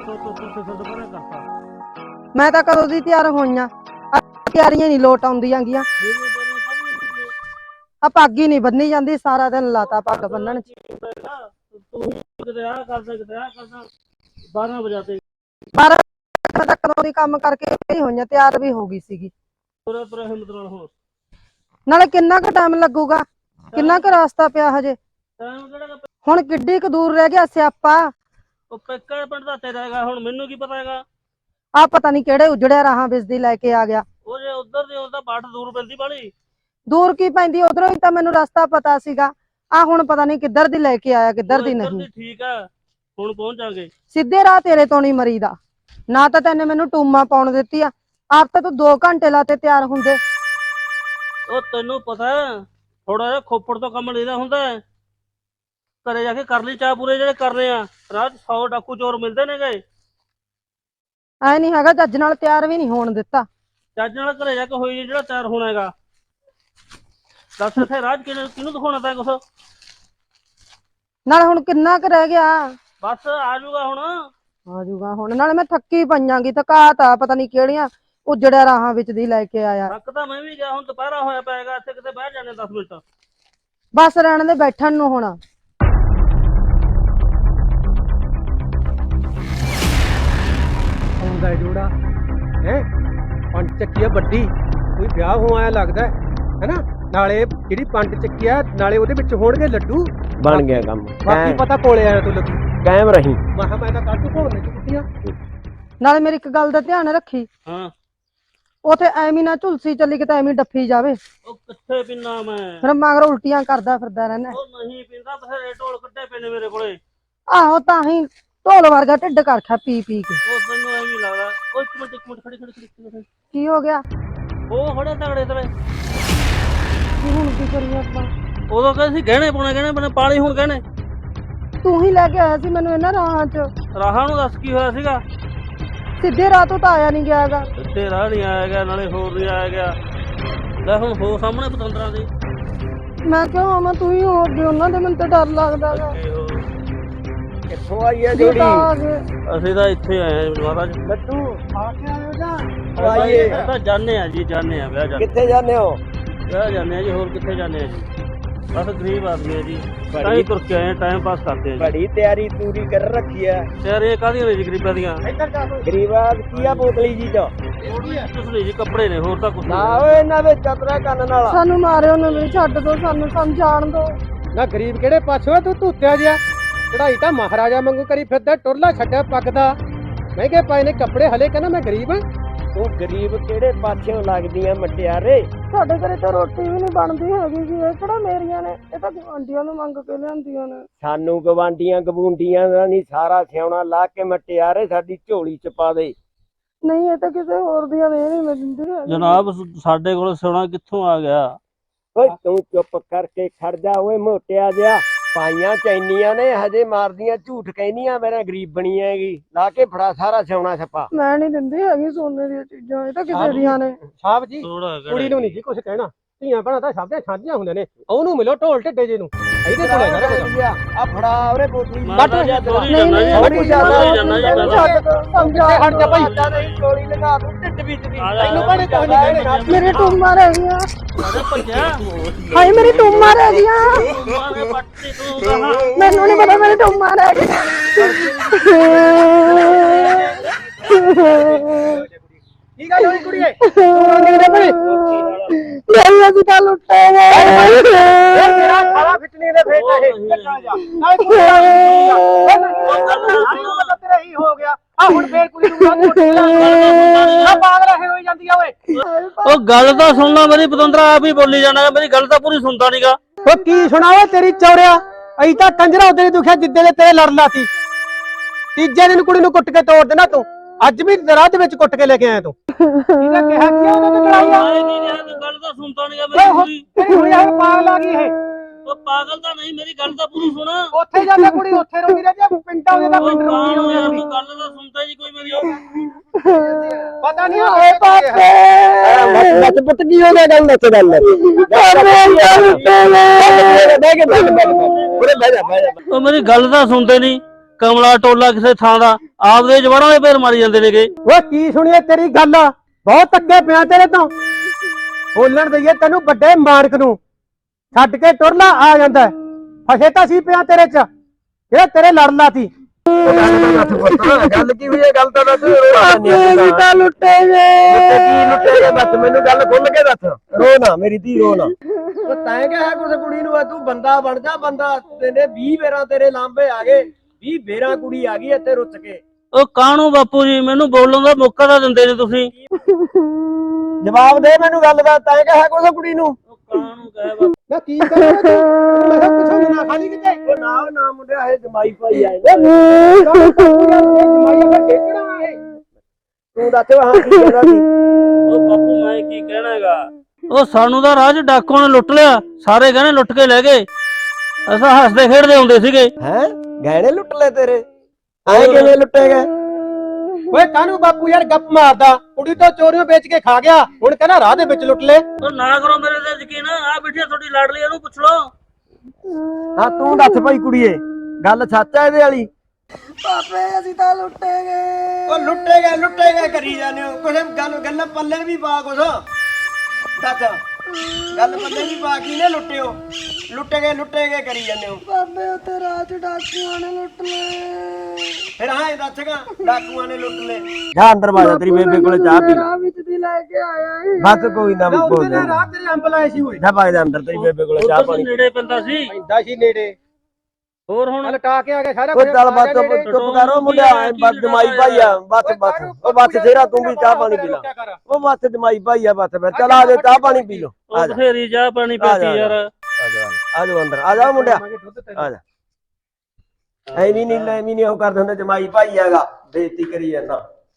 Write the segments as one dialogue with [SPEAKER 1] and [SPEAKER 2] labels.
[SPEAKER 1] ਮੈਂ ਤਾਂ ਕਦੋਂ ਦੀ ਤਿਆਰ ਹੋਈਆਂ, ਤਿਆਰੀਆਂ ਨਹੀਂ ਲੋਟ ਆਉਂਦੀਆਂ ਗੀਆਂ। ਆ ਪੱਗ ਹੀ ਨਹੀਂ ਬੰਨੀ ਜਾਂਦੀ, ਸਾਰਾ ਦਿਨ ਲਾਤਾ ਪੱਗ ਬੰਨਣ ਚ।
[SPEAKER 2] 12 ਵਜੇ
[SPEAKER 1] 12 ਤੱਕ ਕਦੋਂ ਦੀ ਕੰਮ ਕਰਕੇ ਹੀ ਹੋਈਆਂ, ਤਿਆਰ ਵੀ ਹੋ ਗਈ ਸੀਗੀ। ਨਾਲੇ ਕਿੰਨਾ ਕੁ ਟਾਈਮ ਲੱਗੂਗਾ, ਕਿੰਨਾ ਕੁ ਰਸਤਾ ਪਿਆ ਹਜੇ। ਹੁਣ ਕਿੱਡੀ ਕੁ ਦੂਰ ਰਹਿ ਗਿਆ ਸਿਆਪਾ।
[SPEAKER 2] ਉਹ ਪੇਕਾ ਪਿੰਡ ਦਾ ਤੇਰਾ ਹੈਗਾ, ਹੁਣ ਮੈਨੂੰ ਕੀ ਪਤਾ ਹੈਗਾ।
[SPEAKER 1] ਆ ਪਤਾ ਨਹੀਂ ਕਿਹੜੇ ਉਜੜਿਆ ਰਾਹਾਂ ਬਿਜਦੀ ਲੈ ਕੇ ਆ ਗਿਆ।
[SPEAKER 2] ਉਹ ਜੇ ਉਧਰ ਦੀ ਉਹਦਾ ਬਾਟ ਦੂਰ ਪੈਂਦੀ ਬਾਲੀ।
[SPEAKER 1] ਦੂਰ ਕੀ ਪੈਂਦੀ, ਉਧਰੋਂ ਹੀ ਤਾਂ ਮੈਨੂੰ ਰਸਤਾ ਪਤਾ ਸੀਗਾ। ਆ ਹੁਣ ਪਤਾ ਨਹੀਂ ਕਿੱਧਰ ਦੀ ਲੈ ਕੇ ਆਇਆ, ਕਿੱਧਰ ਦੀ ਨਹੀਂ।
[SPEAKER 2] ਠੀਕ ਆ, ਹੁਣ ਪਹੁੰਚ ਜਾਗੇ।
[SPEAKER 1] ਸਿੱਧੇ ਰਾਹ ਤੇਰੇ ਤੋਂ ਨਹੀਂ ਮਰੀਦਾ। ਨਾ ਤਾਂ ਤੈਨੇ ਮੈਨੂੰ ਟੂਮਾ ਪਾਉਣ ਦਿੱਤੀ ਆ, ਆਪ ਤਾਂ ਤੂੰ 2 ਘੰਟੇ ਲਾਤੇ ਤਿਆਰ ਹੁੰਦੇ।
[SPEAKER 2] ਉਹ ਤੈਨੂੰ ਪਤਾ ਥੋੜਾ ਜਿਹਾ ਖੋਪੜ ਤੋਂ ਕੰਮ ਲੈਦਾ ਹੁੰਦਾ, ਘਰੇ ਜਾ ਕੇ ਕਰ ਲਈ ਚਾਹ ਪੂਰੇ ਜਿਹੜੇ ਕਰਨੇ ਆ। ਰਾਹ 100 ਡਾਕੂ ਚੋਰ ਮਿਲਦੇ ਨੇ ਗਏ।
[SPEAKER 1] ਐ ਨਹੀਂ ਹੈਗਾ, ਜੱਜ ਨਾਲ ਤਿਆਰ ਵੀ ਨਹੀਂ ਹੋਣ ਦਿੱਤਾ।
[SPEAKER 2] ਜੱਜ ਨਾਲ ਘਰੇ ਜਾ ਕੇ ਹੋਈ ਜਿਹੜਾ ਤਿਆਰ ਹੋਣਾ ਹੈਗਾ। ਦੱਸ ਇੱਥੇ ਰਾਜ ਕਿਹਨੂੰ ਦਿਖਾਉਣਾ ਤੈਂ ਕੁਛ।
[SPEAKER 1] ਨਾਲ ਹੁਣ ਕਿੰਨਾ ਕੁ ਰਹਿ ਗਿਆ।
[SPEAKER 2] ਬਸ ਆ ਜਾਊਗਾ ਹੁਣ।
[SPEAKER 1] ਆ ਜਾਊਗਾ ਹੁਣ, ਨਾਲੇ ਮੈਂ ਥੱਕੀ ਪਈਆਂਗੀ, ਥਕਾਤ ਆ ਪਤਾ ਨਹੀਂ ਕਿਹੜੀਆਂ ਉਜੜਿਆ ਰਾਹਾਂ ਵਿੱਚ ਦੀ ਲੈ ਕੇ ਆਇਆ।
[SPEAKER 2] ਥੱਕ ਤਾਂ ਮੈਂ ਵੀ ਗਿਆ, ਹੁਣ ਦੁਪਹਿਰਾ ਹੋਇਆ ਪਏਗਾ, ਇੱਥੇ ਕਿਤੇ ਬਹਿ ਜਾਣੇ 10 ਮਿੰਟ।
[SPEAKER 1] ਬਸ ਰਹਿਣ ਦੇ ਬੈਠਣ ਨੂੰ ਹੁਣ।
[SPEAKER 3] ਆਉਂਦਾ ਜੋੜਾ ਹੈ 5 ਚੱਕੀ ਆ ਵੱਡੀ, ਕੋਈ ਵਿਆਹ ਹੋ ਆਇਆ ਲੱਗਦਾ ਹੈਨਾ। ਨਾਲੇ ਜਿਹੜੀ 5 ਚੱਕੀ ਆ, ਨਾਲੇ ਉਹਦੇ ਵਿੱਚ ਹੋਣਗੇ ਲੱਡੂ।
[SPEAKER 4] ਬਣ ਗਿਆ ਕੰਮ।
[SPEAKER 3] ਬਾਕੀ ਪਤਾ ਕੋਲੇ ਆਇਆ ਤੂੰ ਲੱਡੂ
[SPEAKER 4] ਕਾਇਮ ਰਹੀ।
[SPEAKER 3] ਮੈਂ ਤਾਂ ਕੱਢ ਭੋਰਨੇ ਚ ਕੁੱਤੀਆਂ।
[SPEAKER 1] ਨਾਲੇ ਮੇਰੀ ਇੱਕ ਗੱਲ ਦਾ ਧਿਆਨ ਰੱਖੀ,
[SPEAKER 2] ਹਾਂ
[SPEAKER 1] ਉਥੇ ਐਵੇਂ ਨਾ ਝੁਲਸੀ ਚੱਲੀ ਕਿਤੇ ਐਵੇਂ ਡੱਫੀ ਜਾਵੇ।
[SPEAKER 2] ਉਹ ਕਿੱਥੇ ਪੀਨਾ ਮੈਂ।
[SPEAKER 1] ਫਿਰ ਮਗਰ ਉਲਟੀਆਂ ਕਰਦਾ ਫਿਰਦਾ ਰਹਿਣਾ।
[SPEAKER 2] ਉਹ ਨਹੀਂ ਪੀਂਦਾ, ਬਥੇਰੇ ਢੋਲ ਕੱਢੇ ਪਏ ਨੇ ਮੇਰੇ ਕੋਲੇ।
[SPEAKER 1] ਆਹੋ ਤਾਂ ਹੀ ਢੋਲ ਵਰਗਾ ਢਿੱਡ ਕਰਖਿਆ ਪੀ ਪੀ ਕੇ।
[SPEAKER 2] ਉਹ ਤੈਨੂੰ ਐਵੇਂ ਲੱਗਦਾ। ਉਹ ਇੱਕ ਮਿੰਟ ਖੜੀ।
[SPEAKER 1] ਕੀ ਹੋ ਗਿਆ?
[SPEAKER 2] ਉਹ ਖੜੇ ਤਗੜੇ ਤੇਰੇ।
[SPEAKER 1] ਹੁਣ ਕੀ ਕਰੀਏ ਆਪਾਂ?
[SPEAKER 2] ਉਦੋਂ ਕਹਿੰਦੇ ਸੀ ਗਹਿਣੇ ਪਾਉਣੇ ਪਾਲੀ, ਹੁਣ ਗਹਿਣੇ
[SPEAKER 1] ਤੂੰ ਹੀ ਲੈ ਕੇ ਆਇਆ ਸੀ ਮੈਨੂੰ ਇਹਨਾਂ ਰਾਹਾਂ 'ਚ।
[SPEAKER 2] ਰਾਹਾਂ ਨੂੰ ਦੱਸ ਕੀ ਹੋਇਆ ਸੀਗਾ।
[SPEAKER 1] ਸਿੱਧੇ ਰਾਹ ਤੋਂ ਤਾਂ ਆਇਆ ਨਹੀਂ ਗਿਆਗਾ।
[SPEAKER 2] ਸਿੱਧੇ ਰਾਹ ਨਹੀਂ ਆਇਆ ਗਿਆ, ਨਾਲੇ ਹੋਰ ਨਹੀਂ ਆਇਆ ਗਿਆ। ਲੈ ਹੁਣ ਹੋ ਸਾਹਮਣੇ ਪਤੰਦਰਾਂ ਦੇ।
[SPEAKER 1] ਮੈਂ ਕਿਉਂ ਆਵਾਂ, ਤੂੰ ਹੀ ਹੋ ਗਏ ਉਹਨਾਂ ਦੇ, ਮੈਨੂੰ ਤਾਂ ਡਰ ਲੱਗਦਾ ਗਾ।
[SPEAKER 4] ਕਿੱਥੋਂ ਆਈ ਆ ਜੋੜੀ?
[SPEAKER 2] ਅਸੀਂ ਤਾਂ ਇੱਥੇ ਆਏ ਆ ਮਹਾਰਾਜ।
[SPEAKER 3] ਲੱਡੂ ਆ ਕੇ ਆਇਓ ਜਾਂ
[SPEAKER 4] ਆਈਏ
[SPEAKER 2] ਤਾਂ ਜਾਣੇ ਆ ਜੀ, ਜਾਣੇ ਆ ਵਿਆਹ ਜਾਣੇ।
[SPEAKER 4] ਕਿੱਥੇ ਜਾਂਦੇ ਹੋ?
[SPEAKER 2] ਵਿਆਹ ਜਾਣੇ ਆ ਜੀ, ਹੋਰ ਕਿੱਥੇ ਜਾਣੇ ਆ ਜੀ। ਬਸ ਗਰੀਬ ਆਦਮੀ ਆ ਜੀ, ਤਾਂ ਹੀ ਤੁਰ ਕੇ ਆਏ, ਟਾਈਮ ਪਾਸ ਕਰਦੇ ਆ ਜੀ।
[SPEAKER 4] ਬੜੀ ਤਿਆਰੀ ਤੂਰੀ ਕਰ ਰੱਖੀ ਆ
[SPEAKER 2] ਯਾਰ ਇਹ ਕਾਹਦੀਆਂ ਨੇ ਜੀ ਗਰੀਬਾਂ ਦੀਆਂ।
[SPEAKER 3] ਇੱਧਰ ਜਾ ਤੂੰ।
[SPEAKER 4] ਗਰੀਬਾਂ ਕੀ ਆ ਬੋਤਲੀ ਜੀ ਚ?
[SPEAKER 2] ਕੁਛ ਨਹੀਂ ਜੀ, ਕੱਪੜੇ ਨੇ, ਹੋਰ ਤਾਂ ਕੁਛ
[SPEAKER 4] ਨਾ
[SPEAKER 2] ਨਹੀਂ।
[SPEAKER 4] ਓਏ ਇਹਨਾਂ ਦੇ ਚਤਰਾ ਕੰਨ ਨਾਲ।
[SPEAKER 1] ਸਾਨੂੰ ਮਾਰਿਓ ਨਾ, ਮੈਨੂੰ ਛੱਡ ਦੋ, ਸਾਨੂੰ ਸਮਝਾਣ ਦੋ।
[SPEAKER 3] ਨਾ ਗਰੀਬ ਕਿਹੜੇ ਪਾਸੋਂ ਆ ਤੂੰ? ਧੂਤਿਆ ਜਿਹਾ ਚੜਾਈ ਤਾਂ ਮਹਾਰਾਜਾ ਵਾਂਗੂ ਕਰੀ ਫਿਰਦਾ, ਟੁਰਲਾ ਛੱਡਿਆ ਪੱਗ ਦਾ। ਮਹਿੰਗੇ ਪਾਏ ਨੇ ਕੱਪੜੇ, ਹਲੇ ਕਹਿੰਦਾ ਮੈਂ ਗਰੀਬ ਆ।
[SPEAKER 4] ਤੂੰ ਗਰੀਬ ਕਿਹੜੇ ਪਾਸਿਓਂ ਲੱਗਦੀਆਂ ਮਟਿਆਰੇ?
[SPEAKER 1] ਸਾਡੇ ਘਰੇ ਤਾਂ ਰੋਟੀ ਵੀ ਨਹੀਂ ਬਣਦੀ ਹੈਗੀ ਜੀ। ਇਹ ਕਿਹੜਾ ਮੇਰੀਆਂ ਨੇ, ਇਹ ਤਾਂ ਗੁਆਂਢੀਆਂ ਨੂੰ ਮੰਗ ਕੇ ਲਿਆਂਦੀਆਂ ਨੇ।
[SPEAKER 4] ਸਾਨੂੰ ਗਵਾਂਡੀਆਂ ਗਬੂੰਡੀਆਂ ਦਾ ਨਹੀਂ, ਸਾਰਾ ਸਿਆਉਣਾ ਲਾ ਕੇ ਮਟਿਆਰੇ ਸਾਡੀ ਝੋਲੀ ਚ ਪਾ ਦੇ।
[SPEAKER 1] ਨਹੀਂ ਇਹ ਤਾਂ ਕਿਸੇ ਹੋਰ ਦੀਆਂ ਨੇ, ਨਹੀਂ ਮੈਂ ਦਿੰਦੀ ਹੈਗੀ।
[SPEAKER 2] ਜਨਾਬ ਸਾਡੇ ਕੋਲ ਸੋਨਾ ਕਿੱਥੋਂ ਆ ਗਿਆ।
[SPEAKER 4] ਓਏ ਤੂੰ ਚੁੱਪ ਕਰਕੇ ਖੜ ਜਾ ਓਏ ਮੋਟਿਆ ਜਿਹਾ। ਪਾਈਆਂ ਚੈਨੀਆਂ ਨੇ ਹਜੇ ਮਾਰਦੀਆਂ, ਝੂਠ ਕਹਿੰਦੀਆਂ ਮੇਰਾ ਗਰੀਬ ਬਣੀ ਹੈਗੀ। ਲਾ ਕੇ ਫੜਾ ਸਾਰਾ ਸਿਆਉਣਾ ਛੱਪਾ।
[SPEAKER 1] ਮੈਂ ਨਹੀਂ ਦਿੰਦੀ ਹੈਗੀ ਸੋਨੇ ਦੀਆਂ ਚੀਜ਼ਾਂ, ਇਹ ਤਾਂ ਕਿਸੇ ਦੀਆਂ ਨੇ।
[SPEAKER 3] ਸਾਹਿਬ ਜੀ
[SPEAKER 2] ਥੋੜਾ
[SPEAKER 3] ਕੁੜੀ ਨੂੰ ਨਹੀਂ ਜੀ ਕੁਛ ਕਹਿਣਾ, ਧੀਆਂ ਭੈਣਾਂ ਤਾਂ ਸਭ ਦੀਆਂ ਸਾਂਝੀਆਂ ਹੁੰਦੇ ਨੇ। ਉਹਨੂੰ ਮਿਲੋ ਢੋਲ ਢਿੱਡੇ ਜੇ ਨੂੰ, ਇਹਦੇ ਕੋਲ ਹੈਗਾ ਕੁਝ।
[SPEAKER 4] ਆ ਫੜਾ ਉਹਰੇ ਬੋਤਲੀ।
[SPEAKER 1] ਨਹੀਂ ਸਮਝਾ
[SPEAKER 3] ਹਟ ਜਾ ਭਾਈ।
[SPEAKER 4] ਨਹੀਂ ਗੋਲੀ ਲਗਾ ਦੂੰ ਢਿੱਡ ਵਿੱਚ ਦੀ।
[SPEAKER 3] ਤੈਨੂੰ ਭਾਣੇ ਕੁਝ ਨਹੀਂ ਕਹਿਣਾ।
[SPEAKER 1] ਮੇਰੇ ਟੂਮਾਂ ਰਹਿ ਗਈਆਂ,
[SPEAKER 2] ਭੱਜਿਆ
[SPEAKER 1] ਹਾਏ ਮੇਰੀ ਟੂਮਾਂ ਰਹਿ ਗਈਆਂ।
[SPEAKER 2] ਪੱਟੀ ਤੂੰ ਕਹਾਂ।
[SPEAKER 1] ਮੈਨੂੰ ਨਹੀਂ ਪਤਾ ਮੇਰੇ ਟੂਮਾਂ ਰਹਿ ਗਈਆਂ।
[SPEAKER 3] ਕੀ ਗੱਲ ਹੋਈ ਕੁੜੀਏ?
[SPEAKER 1] ਮੇਰੀ ਅਸੀਂ ਤਾਂ ਲੁੱਟੇ ਗਏ।
[SPEAKER 3] ਤੇਰਾ ਸਾਰਾ ਫਿੱਟਣੀ ਦੇ ਫੇਟਾ ਇਹ ਚੱਕਾ ਜਾ। ਨਾਲੇ ਤੂੰ ਤੇਰਾ ਹੀ ਹੋ ਗਿਆ। ਆ ਹੁਣ ਫੇਰ ਕੁੜੀ ਨੂੰ ਆ ਪਾਗਲ ਰਹੇ ਹੋਈ ਜਾਂਦੀ ਆ ਓਏ।
[SPEAKER 2] ਉਹ ਗੱਲ ਤਾਂ ਸੁਣਨਾ ਮੇਰੀ, ਪਤੰਦਰਾ ਆਪ ਹੀ ਬੋਲੀ ਜਾਣਾ, ਮੇਰੀ ਗੱਲ ਤਾਂ ਪੂਰੀ ਸੁਣਦਾ ਨੀਗਾ।
[SPEAKER 3] ਓ ਕੀ ਸੁਣਾਵੇ ਤੇਰੀ ਚੌਰਿਆ? ਅਈ ਤਾਂ ਕੰਜਰਾ ਉਹਦੇ ਦੁਖਿਆ ਜਿੱਦੇ ਦੇ ਤੇਰੇ ਲੜ ਲਾਤੀ। ਤੀਜੇ ਦਿਨ ਕੁੜੀ ਨੂੰ ਕੁੱਟ ਕੇ ਤੋੜ ਦੇਣਾ ਤੂੰ। ਅੱਜ ਵੀ ਰਾਹ ਦੇ ਵਿੱਚ ਕੁੱਟ ਕੇ ਲੈ ਕੇ ਆਇਆ ਤੂੰ। ਇਹਦਾ ਕਿਹਾ ਕੀ ਉਹਨੇ ਤੇ ਲੜਾਈ ਆ?
[SPEAKER 2] ਗੱਲ ਤਾਂ ਸੁਣਦਾ ਨੀਗਾ ਮੇਰੀ ਪੂਰੀ।
[SPEAKER 3] ਤੇਰੀ ਕੁੜੀ ਹੁਣ ਪਾਗਲ ਆ ਗਈ ਇਹ।
[SPEAKER 2] ਉਹ ਪਾਗਲ ਤਾਂ ਨਹੀਂ, ਮੇਰੀ ਗੱਲ ਤਾਂ ਪੂਰੀ ਸੁਣ।
[SPEAKER 3] ਉੱਥੇ ਜਾਂਦਾ ਕੁੜੀ ਉੱਥੇ ਰੋਂਦੀ ਰਹੀ ਤੇ ਪਿੰਡਾਂ ਉਹਦੇ ਦਾ
[SPEAKER 2] ਉਹ
[SPEAKER 3] ਪਿੰਡ ਰੋਂਦੀ
[SPEAKER 2] ਕਾਹਨੂੰ ਯਾਰ,
[SPEAKER 3] ਹੁੰਦੀ।
[SPEAKER 2] ਤੂੰ ਗੱਲ ਤਾਂ ਸੁਣਦਾ ਜੀ ਕੋਈ ਮੇਰੀ।
[SPEAKER 3] ਪਤਾ ਨਹੀਂ
[SPEAKER 1] ਓਏ ਪਾਪੇ
[SPEAKER 4] ਬੱਚ ਪੁੱਤ ਕੀ ਹੋ ਗਿਆ? ਗੱਲ ਦੱਸ ਗੱਲ। ਬਹਿ ਕੇ ਉਰੇ ਬਹਿ ਜਾ।
[SPEAKER 2] ਉਹ ਮੇਰੀ ਗੱਲ ਤਾਂ ਸੁਣਦੇ ਨਹੀਂ। ਕਮਲਾ ਟੋਲਾ ਕਿਸੇ ਥਾਂ ਦਾ ਆਪਦੇ ਜਵਾੜਾਂ ਦੇ ਪੈਰ ਮਾਰੀ ਜਾਂਦੇ ਨੇਗੇ।
[SPEAKER 3] ਓਏ ਕੀ ਸੁਣੀਏ ਤੇਰੀ ਗੱਲ, ਬਹੁਤ ਅੱਗੇ ਪਿਆ ਤੇਰੇ ਤੋਂ। ਬੋਲਣ ਦਈਏ ਤੈਨੂੰ ਵੱਡੇ ਮਾਰਕ ਨੂੰ, ਛੱਡ ਕੇ ਟੁਰਲਾ ਆ ਜਾਂਦਾ। ਫਸੇ ਤਾਂ ਸੀ ਪਿਆ ਤੇਰੇ ਚ, ਇਹ ਤੇਰੇ ਲੜ ਲਾਤੀ।
[SPEAKER 4] ਗੱਲ ਕੀ ਹੋਈ ਹੈ? ਗੱਲ ਤਾਂ ਦੱਸ।
[SPEAKER 1] ਲੁੱਟੇ ਗਏ।
[SPEAKER 4] ਦੱਸ ਮੈਨੂੰ, ਗੱਲ ਖੁੱਲ ਕੇ ਦੱਸ। ਰੋ ਨਾ ਮੇਰੀ ਧੀ, ਰੋ ਨਾ। ਉਹ ਤੈਂ ਕਿਹਾ ਕੁਛ ਕੁੜੀ ਨੂੰ, ਤੂੰ ਬੰਦਾ ਬਣ ਜਾ ਬੰਦਾ। ਤੇਨੇ 20 ਵੇਰਾਂ ਤੇਰੇ ਲਾਂਬੇ ਆ ਗਏ, 20 ਵੇਰਾਂ ਕੁੜੀ ਆ ਗਈ ਇੱਥੇ ਰੁੱਸ ਕੇ।
[SPEAKER 2] ਉਹ ਕਾਹਨੂੰ ਬਾਪੂ ਜੀ, ਮੈਨੂੰ ਬੋਲਣ ਦਾ ਮੌਕਾ ਤਾਂ ਦਿੰਦੇ ਨੇ ਤੁਸੀਂ।
[SPEAKER 4] ਜਵਾਬ ਦੇ ਮੈਨੂੰ ਗੱਲ ਦਾ, ਤੈਂ ਕਿਹਾ ਕੁਛ ਕੁੜੀ ਨੂੰ?
[SPEAKER 2] ਉਹ ਕਾਹਨੂੰ ਕਹੇ ਬਾਪੂ।
[SPEAKER 3] ਮੈਂ ਕੀ ਕਰਾਂ ਤੂੰ? ਮੈਂ ਕਿਹਾ ਕੁਛ ਨਾ ਖਾਲੀ ਕਿਤੇ।
[SPEAKER 4] ਉਹ ਨਾ ਮੁੰਡਿਆ, ਇਹ ਜਮਾਈ ਭਾਈ ਆਏ। ਤੂੰ ਦੱਸ ਹਾਂ ਕੀ ਕਹਿਣਾ ਸੀ?
[SPEAKER 2] ਉਹ ਬਾਪੂ ਮੈਂ ਕੀ ਕਹਿਣਾ ਹੈਗਾ, ਉਹ ਸਾਨੂੰ ਤਾਂ ਰਾਜ ਡਾਕੂਆਂ ਨੇ ਲੁੱਟ ਲਿਆ। ਸਾਰੇ ਕਹਿੰਦੇ ਲੁੱਟ ਕੇ ਲੈ ਗਏ। ਅਸਾਂ ਹੱਸਦੇ ਖੇਡਦੇ ਹੁੰਦੇ ਸੀਗੇ।
[SPEAKER 4] ਹੈਂ, ਗਹਿਣੇ ਲੁੱਟ ਲੈ ਤੇਰੇ? ਐ ਕਿਵੇਂ ਲੁੱਟੇ ਗਏ?
[SPEAKER 3] ਓਏ ਕਾਹਨੂੰ ਬਾਪੂ ਯਾਰ ਗੱਪ ਮਾਰਦਾ? ਕੁੜੀ ਤੋਂ ਚੋਰੀਆਂ ਵੇਚ ਕੇ ਖਾ ਗਿਆ, ਹੁਣ ਕਹਿੰਦਾ ਰਾਹ ਦੇ ਵਿੱਚ ਲੁੱਟ ਲੈ।
[SPEAKER 2] ਉਹ ਨਾ ਕਰੋ ਮੇਰੇ ਤੇ ਯਕੀਨ। ਆ ਬੈਠੀ ਤੁਹਾਡੀ ਲਾਡਲੀ, ਇਹਨੂੰ ਪੁੱਛ ਲਓ।
[SPEAKER 4] ਹਾਂ ਤੂੰ ਦੱਸ ਭਾਈ ਕੁੜੀਏ, ਗੱਲ ਸੱਚ ਆ ਇਹਦੇ ਵਾਲੀ?
[SPEAKER 1] ਪਾਪੇ ਅਸੀਂ ਤਾਂ ਲੁੱਟੇ ਗਏ।
[SPEAKER 4] ਉਹ ਲੁੱਟੇ ਗਏ ਕਰੀ ਜਾਂਦੇ ਹੋ ਕੁਛ। ਗੱਲ ਪੱਲੇ ਵੀ ਪਾ ਕੁਛ। ਦੱਸ, ਗੱਲ ਪੱਲੇ ਵੀ ਪਾ, ਕੀ ਨੇ ਲੁੱਟਿਓ? ਲੁੱਟੇ ਗਏ ਕਰੀ ਜਾਂਦੇ ਹੋ।
[SPEAKER 1] ਪਾਪੇ ਉੱਥੇ ਰਾਤ ਡਾਕੂਆਂ ਨੇ ਲੁੱਟ ਲਏ।
[SPEAKER 4] ਫਿਰ ਹਾਂ ਦੱਸਗਾ, ਡਾਕੂਆਂ ਨੇ ਲੁੱਟ ਲੈ। ਜਾ ਅੰਦਰ ਬਾਜਾ, ਤੇਰੀ ਬੇਬੇ ਕੋਲੇ ਚਾਹ ਪੀ ਲੈ।
[SPEAKER 1] ਰਾਹ ਵਿੱਚ ਦੀ ਲੈ ਕੇ ਆਇਆ ਏ।
[SPEAKER 4] ਬਸ ਕੋਈ ਨਾ ਬੋਲ ਦੇ।
[SPEAKER 3] ਰਾਹ ਤੇਰੇ ਅੰਬ ਲਾਏ ਸੀ ਓਏ।
[SPEAKER 4] ਜਾ ਬਾਜਾ ਅੰਦਰ, ਤੇਰੀ ਬੇਬੇ ਕੋਲੇ ਚਾਹ
[SPEAKER 2] ਉੱਧਰ
[SPEAKER 4] ਪਾਣੀ।
[SPEAKER 2] ਨੇੜੇ ਪੈਂਦਾ ਸੀ।
[SPEAKER 3] ਪੈਂਦਾ ਸੀ ਨੇੜੇ,
[SPEAKER 2] ਹੋਰ ਹੁਣ
[SPEAKER 3] ਲਟਾ ਕੇ ਆ ਕੇ ਸਾਰਾ
[SPEAKER 4] ਉਹ ਚੱਲ ਬਸ ਚੁੱਪ ਕਰੋ ਮੁੰਡਿਆ, ਬਸ ਜਮਾਈ ਭਾਈ ਆ। ਬਸ ਉਹ ਬਸ ਤੇਰਾ, ਤੂੰ ਵੀ ਚਾਹ ਪਾਣੀ ਪੀ ਲੈ। ਉਹ ਬਸ ਜਮਾਈ ਭਾਈ ਆ, ਬਸ ਫਿਰ ਚੱਲ ਆ ਜਾ, ਚਾਹ ਪਾਣੀ ਪੀ ਲੋ।
[SPEAKER 2] ਉਹ ਬਥੇਰੀ ਚਾਹ ਪਾਣੀ ਪੀਤੀ ਯਾਰ।
[SPEAKER 4] ਆ ਜਾ ਅੰਦਰ, ਆ ਜਾ ਮੁੰਡਿਆ, ਆ ਜਾ। ਐਵੇਂ ਨਹੀਂ ਉਹ ਕਰਦੇ ਹੁੰਦੇ, ਜਮਾਈ ਭਾਈ ਹੈਗਾ, ਬੇਇੱਜ਼ਤੀ ਕਰੀ ਜਾਂਦਾ।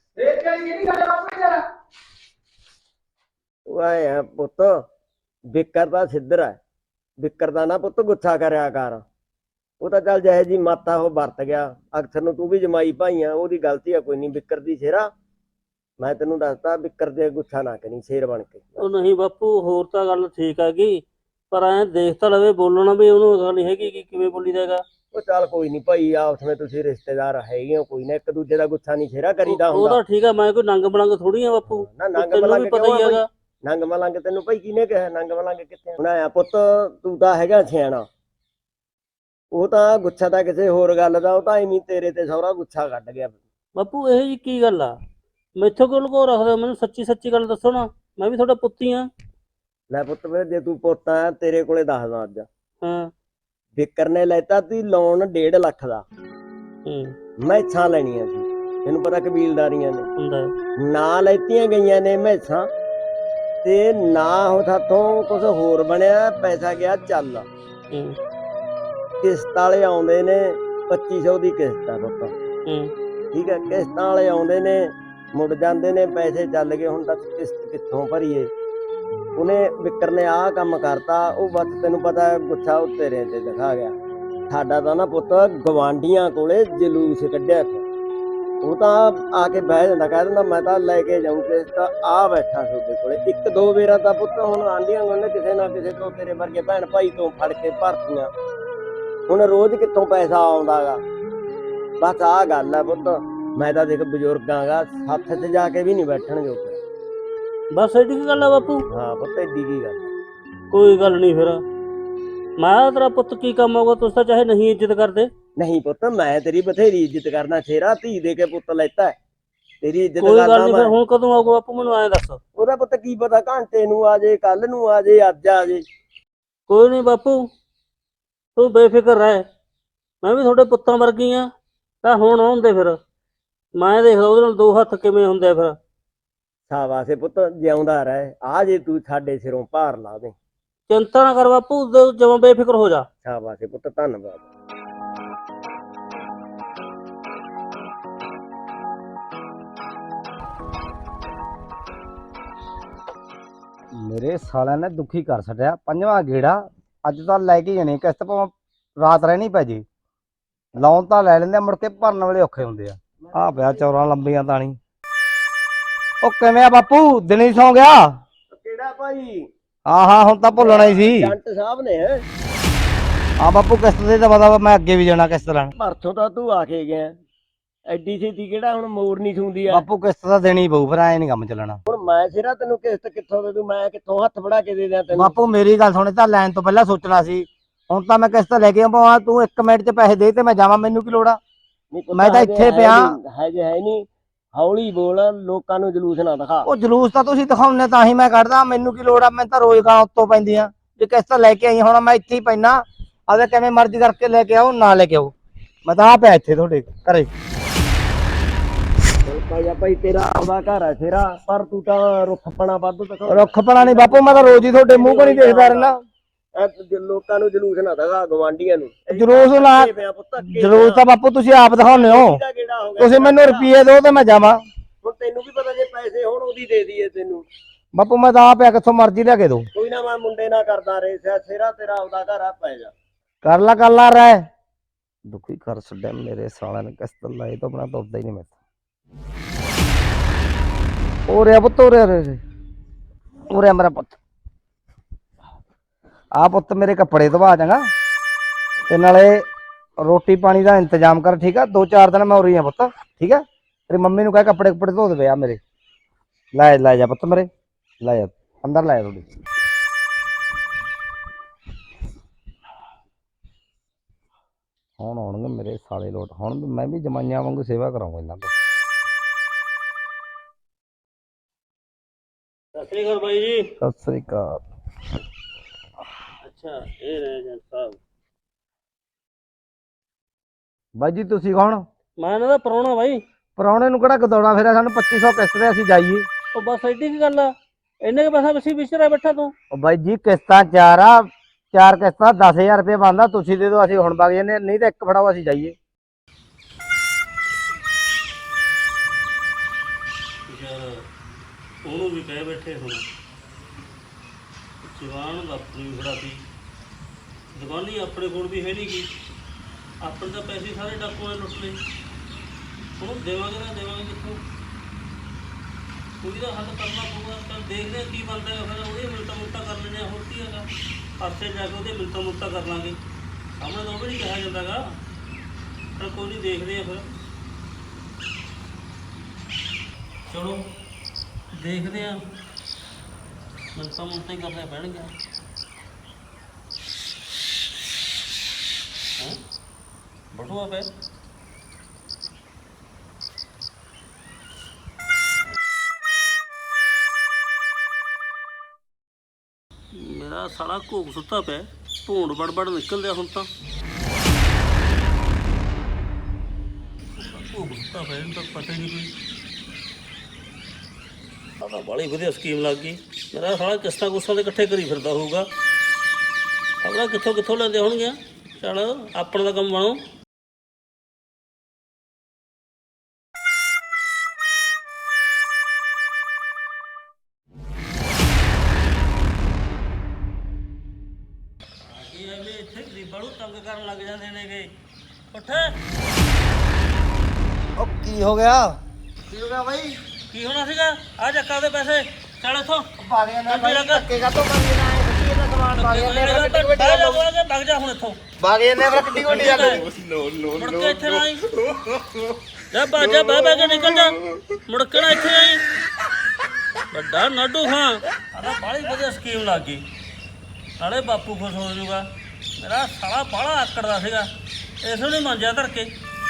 [SPEAKER 4] ਵਾਏ ਆ ਪੁੱਤ, ਬਿੱਕਰ ਦਾ ਸਿੱਧਰ ਹੈ, ਬਿੱਕਰ ਦਾ ਨਾ ਪੁੱਤ ਗੁੱਸਾ ਕਰਿਆ ਕਰ। ਉਹ ਤਾਂ ਚੱਲ ਜਿਹੇ ਜੀ ਮਾਤਾ ਉਹ ਵਰਤ ਗਿਆ। ਅਕਸਰ ਨੂੰ ਤੂੰ ਵੀ ਜਮਾਈ ਭਾਈ ਆ, ਉਹਦੀ ਗਲਤੀ ਆ ਕੋਈ ਨਹੀਂ। ਬਿੱਕਰ ਦੀ ਸ਼ੇਰਾ, ਮੈਂ ਤੈਨੂੰ ਦੱਸਦਾ, ਬਿੱਕਰ ਦੇ ਗੁੱਸਾ ਨਾ ਕਰੀ, ਸ਼ੇਰ ਬਣ ਕੇ।
[SPEAKER 2] ਉਹ ਨਹੀਂ ਬਾਪੂ, ਹੋਰ ਤਾਂ ਗੱਲ ਠੀਕ ਹੈਗੀ, ਪਰ ਐਂ ਦੇਖ ਤਾਂ ਲਵੇ ਬੋਲਣਾ ਵੀ ਉਹਨੂੰ ਗੱਲ ਨਹੀਂ ਹੈਗੀ ਕਿ ਕਿਵੇਂ ਬੋਲੀ ਦੇਗਾ।
[SPEAKER 4] ਉਹ ਚੱਲ ਕੋਈ ਨਹੀਂ ਭਾਈ, ਆਪਸ ਵਿੱਚ ਤੁਸੀਂ ਰਿਸ਼ਤੇਦਾਰ ਹੈਗੇ ਹੋ, ਕੋਈ ਨਾ, ਇੱਕ ਦੂਜੇ ਦਾ ਗੁੱਸਾ ਨਹੀਂ ਸ਼ੇਰਾ ਕਰੀਦਾ
[SPEAKER 2] ਉਹ
[SPEAKER 4] ਹੁੰਦਾ।
[SPEAKER 2] ਤਾਂ ਠੀਕ ਆ, ਮੈਂ ਕੋਈ ਨੰਗ ਬਲੰਗ ਥੋੜੀ ਆ ਬਾਪੂ।
[SPEAKER 4] ਨਾ ਨੰਗ
[SPEAKER 2] ਤੈਨੂੰ
[SPEAKER 4] ਮਲੰਗ
[SPEAKER 2] ਵੀ ਪਤਾ
[SPEAKER 4] ਕਿਉਂ
[SPEAKER 2] ਹੀ
[SPEAKER 4] ਆ
[SPEAKER 2] ਹੈਗਾ।
[SPEAKER 4] ਨੰਗ ਮਲੰਗ ਤੈਨੂੰ ਭਾਈ ਕਿਹਨੇ ਕਿਹਾ? ਨੰਗ ਮਲੰਗ ਕਿੱਥੇ ਹੁਣ ਆਇਆ ਪੁੱਤ? ਤੂੰ ਤਾਂ ਹੈਗਾ ਸਿਆਣਾ। ਉਹ ਤਾਂ ਗੁੱਸਾ ਤਾਂ ਕਿਸੇ ਹੋਰ ਗੱਲ ਦਾ, ਉਹ ਤਾਂ ਐਵੇਂ ਤੇਰੇ ਤੇ ਸਹੁਰਾ ਗੁੱਸਾ ਕੱਢ ਗਿਆ।
[SPEAKER 2] ਬਾਪੂ ਇਹ ਜੀ ਕੀ ਗੱਲ ਆ? ਮੈਥੋਂ ਕਿਉਂ ਲੁਕੋ ਰੱਖਦਾ? ਮੈਨੂੰ ਸੱਚੀ ਗੱਲ ਦੱਸੋ ਨਾ, ਮੈਂ ਵੀ ਤੁਹਾਡਾ ਪੁੱਤ ਹੀ ਆ।
[SPEAKER 4] ਲੈ ਪੁੱਤ ਵੇ, ਜੇ ਤੂੰ ਪੁੱਤ ਆ, ਤੇਰੇ ਕੋਲੇ ਦੱਸਦਾ ਅੱਜ।
[SPEAKER 2] ਹਾਂ।
[SPEAKER 4] ਬਿੱਕਰ ਨੇ ਲੈਤਾ ਤੀ ਲੋਨ 1.5 ਲੱਖ ਦਾ। ਮੈਸਾਂ ਲੈਣੀਆਂ ਸੀ, ਤੈਨੂੰ ਪਤਾ ਕਬੀਲਦਾਰੀਆਂ ਨੇ
[SPEAKER 2] ਹੁੰਦਾ ਹੈ।
[SPEAKER 4] ਨਾ ਲੈਤੀਆਂ ਗਈਆਂ ਨੇ ਮੈਸਾਂ, ਤੇ ਨਾ ਉਹ ਸਾਥੋਂ ਕੁਝ ਹੋਰ ਬਣਿਆ। ਪੈਸਾ ਗਿਆ ਚੱਲ। ਕਿਸ਼ਤ ਵਾਲੇ ਆਉਂਦੇ ਨੇ, 2500 ਦੀ ਕਿਸ਼ਤ ਆ ਪੁੱਤ, ਠੀਕ ਹੈ। ਕਿਸ਼ਤਾਂ ਵਾਲੇ ਆਉਂਦੇ ਨੇ, ਮੁੜ ਜਾਂਦੇ ਨੇ, ਪੈਸੇ ਚੱਲ ਗਏ। ਹੁਣ ਤੱਕ ਕਿਸ਼ਤ ਕਿੱਥੋਂ ਭਰੀਏ? ਉਹਨੇ ਬਿੱਕਰ ਨੇ ਆਹ ਕੰਮ ਕਰਤਾ। ਉਹ ਬਸ ਤੈਨੂੰ ਪਤਾ ਗੁੱਸਾ ਉਹ ਤੇਰੇ ਤੇ ਦਿਖਾ ਗਿਆ। ਸਾਡਾ ਤਾਂ ਨਾ ਪੁੱਤ ਗਵਾਂਢੀਆਂ ਕੋਲੇ ਜਲੂਸ ਕੱਢਿਆ। ਉਹ ਤਾਂ ਆ ਕੇ ਬਹਿ ਜਾਂਦਾ, ਕਹਿ ਦਿੰਦਾ ਮੈਂ ਤਾਂ ਲੈ ਕੇ ਜਾਊਂ ਕਿਸ਼ਤ, ਆ ਬੈਠਾ ਤੁਹਾਡੇ ਕੋਲੇ। 1-2 ਵੇਰਾਂ ਤਾਂ ਪੁੱਤ ਹੁਣ ਆਂਢੀਆਂ ਕੋਲੇ ਕਿਸੇ ਨਾ ਕਿਸੇ ਤੋਂ, ਤੇਰੇ ਵਰਗੇ ਭੈਣ ਭਾਈ ਤੋਂ ਫੜ ਕੇ ਭਰਤੀਆਂ। ਹੁਣ ਰੋਜ਼ ਕਿੱਥੋਂ ਪੈਸਾ ਆਉਂਦਾਗਾ? ਬਸ ਆਹ ਗੱਲ ਆ ਪੁੱਤ। ਮੈਂ ਤਾਂ ਦੇਖ ਬਜ਼ੁਰਗਾਂ ਗਾ, ਹੱਥ 'ਚ ਜਾ ਕੇ ਵੀ ਨਹੀਂ ਬੈਠਣ ਜੋਗੇ।
[SPEAKER 2] ਬਸ ਐਡੀ ਕੀ ਗੱਲ ਆ ਬਾਪੂ?
[SPEAKER 4] ਹਾਂ ਪੁੱਤ, ਏਡੀ ਕੀ ਗੱਲ।
[SPEAKER 2] ਕੋਈ ਗੱਲ ਨਹੀਂ। ਫਿਰ ਮੈਂ ਤੇਰਾ ਪੁੱਤ ਕੀ ਕੰਮ ਆਊਗਾ? ਤੁਸੀਂ ਤਾਂ ਚਾਹੇ ਨਹੀਂ ਇੱਜ਼ਤ ਕਰਦੇ।
[SPEAKER 4] ਨਹੀਂ ਪੁੱਤ, ਮੈਂ ਤੇਰੀ ਬਥੇਰੀ ਇੱਜ਼ਤ ਕਰਨਾ। ਸ਼ੇਰਾ ਧੀ ਦੇ ਕੇ ਪੁੱਤ ਲੈਤਾ, ਤੇਰੀ ਇੱਜ਼ਤ
[SPEAKER 2] ਕੋਈ ਗੱਲ
[SPEAKER 4] ਕਰਨਾ
[SPEAKER 2] ਨਹੀਂ। ਫਿਰ
[SPEAKER 4] ਮੈਂ।
[SPEAKER 2] ਹੁਣ ਕਦੋਂ ਆਊਗਾ ਬਾਪੂ, ਮੈਨੂੰ ਐਂ ਦੱਸ।
[SPEAKER 4] ਉਹਦਾ ਪੁੱਤ ਕੀ ਪਤਾ, ਘੰਟੇ ਨੂੰ ਆ ਜੇ, ਕੱਲ ਨੂੰ ਆ ਜੇ, ਅੱਜ ਆ ਜੇ।
[SPEAKER 2] ਕੋਈ ਨਹੀਂ ਬਾਪੂ, ਤੂੰ ਬੇਫਿਕਰ ਰਹਿ। ਮੈਂ ਵੀ ਤੁਹਾਡੇ ਪੁੱਤਾਂ ਵਰਗੀ ਆ। ਤਾਂ ਹੁਣ ਆਉਂਦੇ ਫਿਰ ਮੈਂ ਦੇਖਦਾ ਉਹਦੇ ਨਾਲ 2 ਹੱਥ ਕਿਵੇਂ ਹੁੰਦੇ ਫਿਰ।
[SPEAKER 4] ਸ਼ਾਬਾਸ਼ੇ ਪੁੱਤ, ਜਿਉਂਦਾ ਰਹਿ। ਆ ਜੇ ਤੂੰ ਸਾਡੇ ਸਿਰੋਂ ਭਾਰ ਲਾ ਦੇ।
[SPEAKER 2] ਚਿੰਤਾ ਨਾ ਕਰ ਬਾਪੂ, ਜਮਾਂ ਬੇਫਿਕਰ ਹੋ ਜਾ।
[SPEAKER 4] ਸ਼ਾਬਾਸ਼ੇ ਪੁੱਤ, ਧੰਨਵਾਦ।
[SPEAKER 5] ਮੇਰੇ ਸਾਲਿਆਂ ਨੇ ਦੁਖੀ ਕਰ ਛੱਡਿਆ। 5ਵਾਂ ਗੇੜਾ ਅੱਜ ਤਾਂ ਲੈ ਕੇ ਜਾਣੀ ਕਿਸ਼ਤ, ਭਾਵੇਂ ਰਾਤ ਰਹਿਣੀ ਪੈ ਜੇ। ਲੋਨ ਤਾਂ ਲੈ ਲੈਂਦੇ, ਮੁੜ ਕੇ ਭਰਨ ਵੇਲੇ ਔਖੇ ਹੁੰਦੇ ਆ। ਆਹ ਪਿਆ ਚੌਰਾਂ ਲੰਬੀਆਂ ਤਾਣੀ। ਉਹ ਕਿਵੇਂ ਆ ਬਾਪੂ, ਦਿਨੇ ਸੌਂ ਗਿਆ?
[SPEAKER 4] ਕਿਹੜਾ ਭਾਈ?
[SPEAKER 5] ਹਾਂ ਹੁਣ ਤਾਂ ਭੁੱਲਣਾ ਹੀ ਸੀ।
[SPEAKER 4] ਜੰਟ ਸਾਹਿਬ ਨੇ ਹੈ।
[SPEAKER 5] ਹਾਂ ਬਾਪੂ, ਕਿਸ਼ਤ ਦੇ ਤਾਂ ਪਤਾ, ਮੈਂ ਅੱਗੇ ਵੀ ਜਾਣਾ ਕਿਸ਼ਤ ਲੈਣ।
[SPEAKER 4] ਪਰਸੋਂ ਤਾਂ ਤੂੰ ਆ ਕੇ ਗਿਆ, ਐਡੀ ਛੇਤੀ ਕਿਹੜਾ ਹੁਣ ਮੋੜ ਨਹੀਂ ਛੂੰਦੀ ਆ।
[SPEAKER 5] ਬਾਪੂ ਕਿਸ਼ਤ ਤਾਂ ਦੇਣੀ ਪਊ, ਫਿਰ ਐ ਨਹੀਂ ਕੰਮ ਚੱਲਣਾ।
[SPEAKER 4] ਹੁਣ ਮੈਂ ਸਿਰਾ ਤੈਨੂੰ ਕਿਸ਼ਤ ਕਿੱਥੋਂ ਦੇ ਦੂੰ, ਮੈਂ ਕਿੱਥੋਂ ਹੱਥ ਫੜਾ ਕੇ ਦੇ ਦਿਆਂ ਤੈਨੂੰ।
[SPEAKER 5] ਬਾਪੂ ਮੇਰੀ ਗੱਲ ਸੁਣੇ, ਤਾਂ ਲੈਣ ਤੋਂ ਪਹਿਲਾਂ ਸੋਚਣਾ ਸੀ। ਹੁਣ ਤਾਂ ਮੈਂ ਕਿਸ਼ਤ ਲੈ ਕੇ ਆਵਾਂ, ਤੂੰ 1 ਮਿੰਟ 'ਚ ਪੈਸੇ ਦੇ ਤੇ ਮੈਂ ਜਾਵਾਂ, ਮੈਨੂੰ ਕੀ ਲੋੜ ਆ?
[SPEAKER 4] ਨਹੀਂ ਪੁੱਤ,
[SPEAKER 5] ਮੈਂ ਤਾਂ
[SPEAKER 4] ਹਜੇ
[SPEAKER 5] ਇੱਥੇ
[SPEAKER 4] ਹੈ
[SPEAKER 5] ਪਿਆ।
[SPEAKER 4] ਨੀ, ਹਜੇ ਹੈ ਨਹੀਂ। ਹੌਲੀ ਬੋਲ, ਲੋਕਾਂ ਨੂੰ ਜਲੂਸ ਨਾ ਦਿਖਾ।
[SPEAKER 5] ਉਹ ਜਲੂਸ ਤਾਂ ਤੁਸੀਂ ਦਿਖਾਉਂਦੇ ਤਾਂ ਹੀ ਮੈਂ ਕੱਢਦਾ, ਮੈਨੂੰ ਕੀ ਲੋੜ ਆ? ਮੈਂ ਤਾਂ ਰੋਜ਼ ਗਾਂ ਉੱਤੋਂ ਪੈਂਦੀ ਆ। ਜੇ ਕਿਸ਼ਤ ਲੈ ਕੇ ਆਈ, ਹੁਣ ਮੈਂ ਇੱਥੇ ਹੀ ਪੈਣਾ, ਆਵੇ ਕਿਵੇਂ ਮਰਜ਼ੀ ਕਰਕੇ ਲੈ ਕੇ ਆਓ, ਨਾ ਲੈ ਕੇ ਆਓ, ਮੈਂ ਤਾਂ ਆ ਪਿਆ ਇੱਥੇ ਤੁਹਾਡੇ ਘਰੇ।
[SPEAKER 4] ਚੱਲ ਭਾਈ ਤੇਰਾ ਆਪਦਾ ਘਰ ਆ ਸ਼ੇਰਾ, ਪਰ ਤੂੰ ਤਾਂ ਰੁੱਖਪਣਾ ਵੱਧ ਦਿਖਾ।
[SPEAKER 5] ਰੁੱਖਪਣਾ ਨਹੀਂ ਬਾਪੂ, ਮੈਂ ਤਾਂ ਰੋਜ਼ ਹੀ ਤੁਹਾਡੇ ਮੂੰਹ ਕੋਲ ਹੀ ਦੇਖਦਾ ਰਹਿਣਾ।
[SPEAKER 4] ਲੋਕਾਂ ਨੂੰ ਜਲੂਸ ਨਾ ਦਿਖਾ, ਗਵਾਂਢੀਆਂ ਨੂੰ।
[SPEAKER 5] ਜਲੂਸ ਲਾ, ਜਲੂਸ ਤਾਂ ਬਾਪੂ ਤੁਸੀਂ ਆਪ ਦਿਖਾਉਂਦੇ ਹੋ। ਤੁਸੀਂ ਮੈਨੂੰ ਰੁਪਈਏ ਦਿਓ ਤੇ ਮੈਂ ਜਾਵਾਂ।
[SPEAKER 4] ਹੁਣ ਤੈਨੂੰ ਵੀ ਪਤਾ, ਜੇ ਪੈਸੇ ਹੋਣ ਉਹਦੀ ਦੇ ਦਈਏ ਤੈਨੂੰ।
[SPEAKER 5] ਬਾਪੂ ਮੈਂ ਤਾਂ ਆ ਪਿਆ, ਕਿੱਥੋਂ ਮਰਜ਼ੀ ਲਿਆ ਕੇ ਦੋ।
[SPEAKER 4] ਕੋਈ ਨਾ, ਮੈਂ ਮੁੰਡੇ ਨਾਲ ਕਰਦਾ ਰੇ ਸ਼ੇਰਾ, ਤੇਰਾ ਆਪਦਾ ਘਰ ਆ, ਪੈ ਜਾ।
[SPEAKER 5] ਕਰ ਲਾ ਰਹਿ। ਦੁਖੀ ਕਰ ਛੱਡਿਆ ਮੇਰੇ ਸਾਲਿਆਂ ਨੇ, ਕਿਸ਼ਤ ਲਾਈ ਤਾਂ ਆਪਣਾ ਦੁੱਧਦਾ ਹੀ ਨਹੀਂ ਮੇਰੇ। ਉਰੇ ਪੁੱਤ, ਉਰੇ ਮੇਰਾ ਪੁੱਤ। ਆ ਪੁੱਤ ਮੇਰੇ ਕੱਪੜੇ ਧਵਾ ਚੰਗਾ, ਤੇ ਨਾਲੇ ਰੋਟੀ ਪਾਣੀ ਦਾ ਇੰਤਜ਼ਾਮ ਕਰ, ਠੀਕ ਆ? 2-4 ਦਿਨ ਮੈਂ ਉਰੀ ਆ ਪੁੱਤ, ਠੀਕ ਆ? ਤੇਰੀ ਮੰਮੀ ਨੂੰ ਕਹਿ ਕੱਪੜੇ ਧੋ ਦੇਵੇ ਆ ਮੇਰੇ। ਲੈ ਜਾ ਪੁੱਤ ਮੇਰੇ, ਲੈ ਜਾ ਅੰਦਰ, ਲੈ ਜਾ ਥੋੜੀ। ਹੁਣ ਆਉਣਗੇ ਮੇਰੇ ਸਾਲੇ ਲੋਟ, ਹੁਣ ਮੈਂ ਵੀ ਜਮਾਈਆਂ ਵਾਂਗੂ ਸੇਵਾ ਕਰਾਉਂਗਾ ਇਹਨਾਂ ਤੋਂ।
[SPEAKER 2] ਸਤਿ ਸ੍ਰੀ ਅਕਾਲ ਬਾਈ ਜੀ।
[SPEAKER 5] ਸਤਿ ਸ੍ਰੀ ਅਕਾਲ।
[SPEAKER 2] ਅੱਛਾ, ਇਹ ਰਹੇ ਏਜੰਟ ਸਾਹਿਬ।
[SPEAKER 5] ਬਾਈ ਜੀ ਤੁਸੀਂ ਕੌਣ?
[SPEAKER 2] ਮੈਂ ਇਹਨਾਂ ਦਾ ਪ੍ਰਾਹੁਣਾ ਬਾਈ।
[SPEAKER 5] ਪ੍ਰਾਹੁਣੇ ਨੂੰ ਕਿਹੜਾ ਗਦੌੜਾ ਫੇਰਿਆ? ਸਾਨੂੰ 2500 ਕਿਸ਼ਤ ਤੇ ਅਸੀਂ ਜਾਈਏ।
[SPEAKER 2] ਉਹ ਬਸ ਐਡੀ ਕੀ ਗੱਲ ਆ, ਇੰਨੇ ਕੇ ਪੈਸਾ ਵਿੱਚ ਵਿਚਰਿਆ ਬੈਠਾ ਤੂੰ।
[SPEAKER 5] ਉਹ ਬਾਈ ਜੀ ਕਿਸ਼ਤਾਂ 4 ਆ, 4 ਕਿਸ਼ਤਾਂ 10,000 ਰੁਪਏ ਬਣਦਾ, ਤੁਸੀਂ ਦੇ ਦਿਓ, ਅਸੀਂ ਹੁਣ ਵਗ ਜਾਂਦੇ, ਨਹੀਂ ਤਾਂ 1 ਫੜਾਓ ਅਸੀਂ ਜਾਈਏ।
[SPEAKER 2] ਉਹਨੂੰ ਵੀ ਕਹਿ ਬੈਠੇ ਹੁਣ, ਜਵਾਨ ਆਪਣੀ ਵੀ ਫੜਾਤੀ, ਦੁਕਾਨੀ ਆਪਣੇ ਕੋਲ ਵੀ ਹੈ ਨਹੀਂ ਗੀ, ਆਪਣੇ ਤਾਂ ਪੈਸੇ ਸਾਰੇ ਡਾਕੂਆਂ ਨੇ ਲੁੱਟ ਲਏ। ਉਹਨੂੰ ਦੇਵਾਂਗੇ ਨਾ ਦੇਵਾਂਗੇ ਕਿੱਥੋਂ? ਕੋਈ ਦਾ ਹੱਲ ਕਰਨਾ ਪਊਗਾ। ਚੱਲ ਦੇਖਦੇ ਹਾਂ ਕੀ ਬਣਦਾ ਹੈ, ਫਿਰ ਉਹਦੀ ਮਿਲਤਾ ਕਰ ਲੈਂਦੇ ਹਾਂ, ਹੋਰ ਕੀ ਹੈਗਾ? ਪਾਸੇ ਜਾ ਕੇ ਉਹਦੇ ਮਿਲਤਾ ਕਰ ਲਾਂਗੇ, ਸਾਹਮਣੇ ਤਾਂ ਉਹ ਵੀ ਨਹੀਂ ਕਿਹਾ ਜਾਂਦਾ ਗਾ। ਪਰ ਕੋਈ ਨਹੀਂ, ਦੇਖਦੇ ਆ ਫਿਰ। ਚਲੋ ਦੇਖਦੇ ਆ, ਮਿਲਤਾ ਹੀ ਕਰਨੇ ਪੈਣਗੇ। ਬਟੂਆ ਪੈ ਮੇਰਾ ਸਾਲਾ ਘੋਗ ਸੁੱਤਾ ਪਿਆ, ਭੂੰਡ ਬੜਬੜ ਨਿਕਲਦਿਆ ਹੁਣ ਤਾਂ। ਘੋਗ ਸੁੱਤਾ ਪਿਆ, ਇਹਨੂੰ ਤਾਂ ਪਤਾ ਹੀ ਨਹੀਂ ਕੋਈ। ਆਹ ਬੜੀ ਵਧੀਆ ਸਕੀਮ ਲੱਗ ਗਈ। ਮੇਰਾ ਸਾਲਾ ਕਿਸ਼ਤਾਂ ਕੁਸ਼ਤਾਂ ਦੇ ਇਕੱਠੇ ਕਰੀ ਫਿਰਦਾ ਹੋਊਗਾ, ਆਪਣਾ ਕਿੱਥੋਂ ਲੈਂਦੇ ਹੋਣਗੇ। ਚੱਲ ਆਪਣਾ ਦਾ ਕੰਮ ਬਣੋ। ਇੱਥੇ ਗਰੀਬਾਂ ਨੂੰ ਤੰਗ ਕਰਨ ਲੱਗ ਜਾਂਦੇ ਨੇਗੇ। ਉੱਠ।
[SPEAKER 5] ਉਹ ਕੀ ਹੋ ਗਿਆ?
[SPEAKER 2] ਬਾਈ ਕੀ ਹੋਣਾ ਸੀਗਾ? ਆ ਚੱਕਾ ਦੇ ਪੈਸੇ, ਚੱਲ ਇੱਥੋਂ।
[SPEAKER 5] ਬਾਗਿਆਂ
[SPEAKER 2] ਨਾਲ
[SPEAKER 5] ਧੱਕੇ ਕਾ ਤੋਂ ਕਰੀ ਨਾ, ਇਹਦਾ ਸਮਾਨ ਬਾਗਿਆਂ ਨੇ
[SPEAKER 2] ਵਗ ਜਾ ਹੁਣ ਇੱਥੋਂ।
[SPEAKER 5] ਬਾਗਿਆਂ ਨੇ ਕਿੱਡੀ ਵੱਡੀ ਆ ਗਈ।
[SPEAKER 2] ਮੁੜ ਕੇ ਇੱਥੇ ਨਾ ਆਈ, ਜਾ ਬਾਜਾ ਬਹਿ ਕੇ ਨਿਕਲ ਜਾ, ਮੁੜ ਕੇ ਨਾ ਇੱਥੇ ਆਈ। ਵੱਡਾ ਨਾਡੂ ਹਾਂ, ਆਹ ਬਾਹਲੀ ਵਧੀਆ ਸਕੀਮ ਲੱਗ ਗਈ, ਨਾਲੇ ਬਾਪੂ ਖੁਸ਼ ਹੋ ਜਾਊਗਾ। ਮੇਰਾ ਸਾਲਾ ਬਾਹਲਾ ਆਕੜਦਾ ਸੀਗਾ, ਇਸ ਨੂੰ ਨਹੀਂ ਮੰਜਿਆ ਧਰ ਕੇ।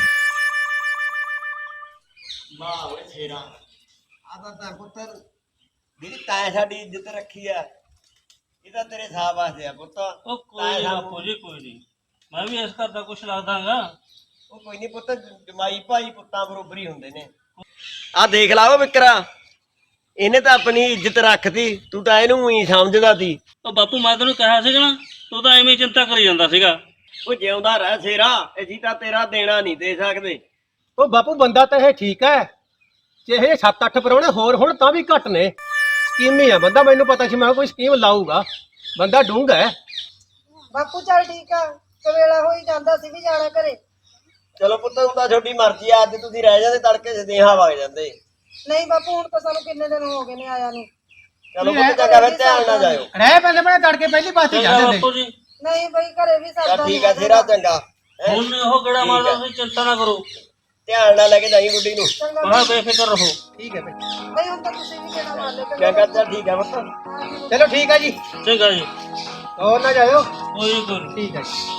[SPEAKER 4] ਵਾਹ ਓਏ ਸ਼ੇਰਾ, ਆ ਤਾਂ ਪੁੱਤਰ ਜਿਹੜੀ ਤੈਂ ਸਾਡੀ ਇੱਜ਼ਤ ਰੱਖੀ ਆ, ਇਹ ਤਾਂ ਤੇਰੇ ਸਾਹ ਵਾਸਤੇ ਆ ਪੁੱਤ।
[SPEAKER 2] ਉਹ ਕੋਈ ਨੀ ਬਾਪੂ ਜੀ, ਕੋਈ ਨਹੀਂ, ਮੈਂ ਵੀ ਇਸ ਘਰ ਦਾ ਕੁਛ ਲੱਗਦਾਗਾ।
[SPEAKER 4] ਉਹ ਕੋਈ ਨਹੀਂ ਪੁੱਤ, ਜਮਾਈ ਭਾਈ ਪੁੱਤਾਂ ਬਰੋਬਰ ਹੀ ਹੁੰਦੇ ਨੇ। ਆ ਦੇਖ ਲਾ ਉਹ ਵਿਕਰਾ, ਇਹਨੇ ਤਾਂ ਆਪਣੀ ਇੱਜ਼ਤ ਰੱਖਤੀ, ਤੂੰ ਤਾਂ ਇਹਨੂੰ ਹੀ ਸਮਝਦਾ ਸੀ।
[SPEAKER 2] ਉਹ ਬਾਪੂ ਮੈਂ ਤੈਨੂੰ ਕਿਹਾ ਸੀਗਾ ਨਾ, ਤੂੰ ਤਾਂ ਐਵੇਂ ਚਿੰਤਾ ਕਰੀ ਜਾਂਦਾ ਸੀਗਾ।
[SPEAKER 4] ਉਹ ਜਿਉਂਦਾ ਰਹਿ ਸ਼ੇਰਾ, ਅਸੀਂ ਤਾਂ ਤੇਰਾ ਦੇਣਾ ਨਹੀਂ ਦੇ ਸਕਦੇ।
[SPEAKER 3] ਉਹ ਬਾਪੂ ਬੰਦਾ ਤਾਂ ਇਹ ਠੀਕ ਹੈ, ਚਾਹੇ 7-8 ਪ੍ਰਾਹੁਣੇ ਹੋਰ ਹੁਣ ਤਾਂ ਵੀ ਘੱਟ ਨੇ। ਸਕੀਮੀ ਆ ਬੰਦਾ, ਮੈਨੂੰ ਪਤਾ ਸੀ ਮੈਂ ਕੋਈ ਸਕੀਮ ਲਾਊਗਾ, ਬੰਦਾ ਡੂੰਘਾ ਹੈ।
[SPEAKER 1] ਬਾਪੂ ਚੱਲ ਠੀਕ ਆ, ਕਵੇਲਾ ਹੋਈ ਜਾਂਦਾ ਸੀ ਵੀ ਜਾਣਾ ਘਰੇ।
[SPEAKER 4] ਚਲੋ ਪੁੱਤ, ਹੁਣ ਤਾਂ ਤੁਹਾਡੀ ਮਰਜ਼ੀ ਆ, ਅੱਜ ਤੁਸੀਂ ਰਹਿ ਜਾਂਦੇ ਤੜਕੇ ਸਦੇਹਾ ਵਗ ਜਾਂਦੇ।
[SPEAKER 1] ਨਹੀਂ ਬਾਪੂ, ਹੁਣ ਤਾਂ ਸਾਨੂੰ ਕਿੰਨੇ ਦਿਨ ਹੋ ਗਏ ਨੇ ਆਇਆ ਨੂੰ।
[SPEAKER 4] ਚਲੋ ਪੁੱਤ ਚੰਗਾ, ਫਿਰ ਧਿਆਨ ਨਾਲ ਜਾਇਓ।
[SPEAKER 3] ਰਹਿ ਪਹਿਲੇ ਬਣੇ ਤੜਕੇ ਪਹਿਲੀ ਪਾਸ ਤੇ
[SPEAKER 2] ਚੰਗਾ
[SPEAKER 3] ਜਾਂਦੇ
[SPEAKER 2] ਬਾਪੂ ਜੀ,
[SPEAKER 1] ਨਹੀਂ ਬਈ, ਘਰੇ ਵੀ ਸਰਦਾ
[SPEAKER 4] ਚੱਲ ਠੀਕ ਆ ਸ਼ੇਰਾ, ਚੰਗਾ।
[SPEAKER 2] ਹੁਣ ਉਹ ਗੇੜਾ ਮਾਰਦਾ, ਤੁਸੀਂ ਚਿੰਤਾ ਨਾ ਕਰੋ।
[SPEAKER 4] ਧਿਆਨ ਨਾਲ ਲੈ ਕੇ ਜਾਈ ਗੁੱਡੀ ਨੂੰ।
[SPEAKER 2] ਹਾਂ ਬੇਫਿਕਰ ਰਹੋ।
[SPEAKER 3] ਠੀਕ ਹੈ ਬਈ
[SPEAKER 1] ਬਈ ਹੁਣ ਤਾਂ ਤੁਸੀਂ ਵੀ ਕਿਹੜਾ ਮਾਰ ਲਿਆ
[SPEAKER 4] ਕਿਆ ਕਰਦਾ? ਠੀਕ ਹੈ ਪੁੱਤ।
[SPEAKER 3] ਚਲੋ ਠੀਕ ਹੈ ਜੀ,
[SPEAKER 2] ਚੰਗਾ ਜੀ,
[SPEAKER 3] ਹੋਰ ਨਾ ਜਾਇਓ।
[SPEAKER 2] ਕੋਈ ਨੀ।
[SPEAKER 3] ਠੀਕ ਹੈ ਜੀ।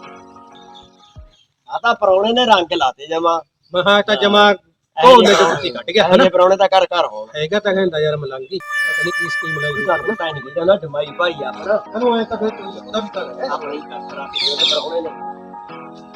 [SPEAKER 4] ਆ ਤਾਂ ਪਰੌਣੇ ਨੇ ਰੰਗ ਲਾਤੇ ਜਮਾ।
[SPEAKER 3] ਮਹਾ ਤਾਂ ਜਮਾ ਕੋਨੇ ਤੋਂ ਕੁੱਤੀ ਕੱਢ ਗਿਆ ਹਨਾ।
[SPEAKER 4] ਇਹ ਪਰੌਣੇ ਤਾਂ ਘਰ ਘਰ ਹੋਣ।
[SPEAKER 3] ਹੈਗਾ ਤਾਂ ਕਹਿੰਦਾ ਯਾਰ ਮਲੰਗੀ ਪਤਾ ਨਹੀਂ ਕੀ ਸਕੀਮ ਲਾਈ
[SPEAKER 4] ਘਰ ਨੂੰ ਤਾਂ ਨਹੀਂ ਜਾਣਾ ਜਮਾਈ ਭਾਈ ਆਪਣਾ
[SPEAKER 3] ਇਹਨੂੰ ਐ ਤਾਂ ਫਿਰ ਤੂੰ ਉਹਦਾ ਵੀ ਕਰ
[SPEAKER 4] ਆਪਣੀ ਕਰ ਕਰਾ ਕੇ ਉਹਦੇ ਪਰੌਣੇ ਨੇ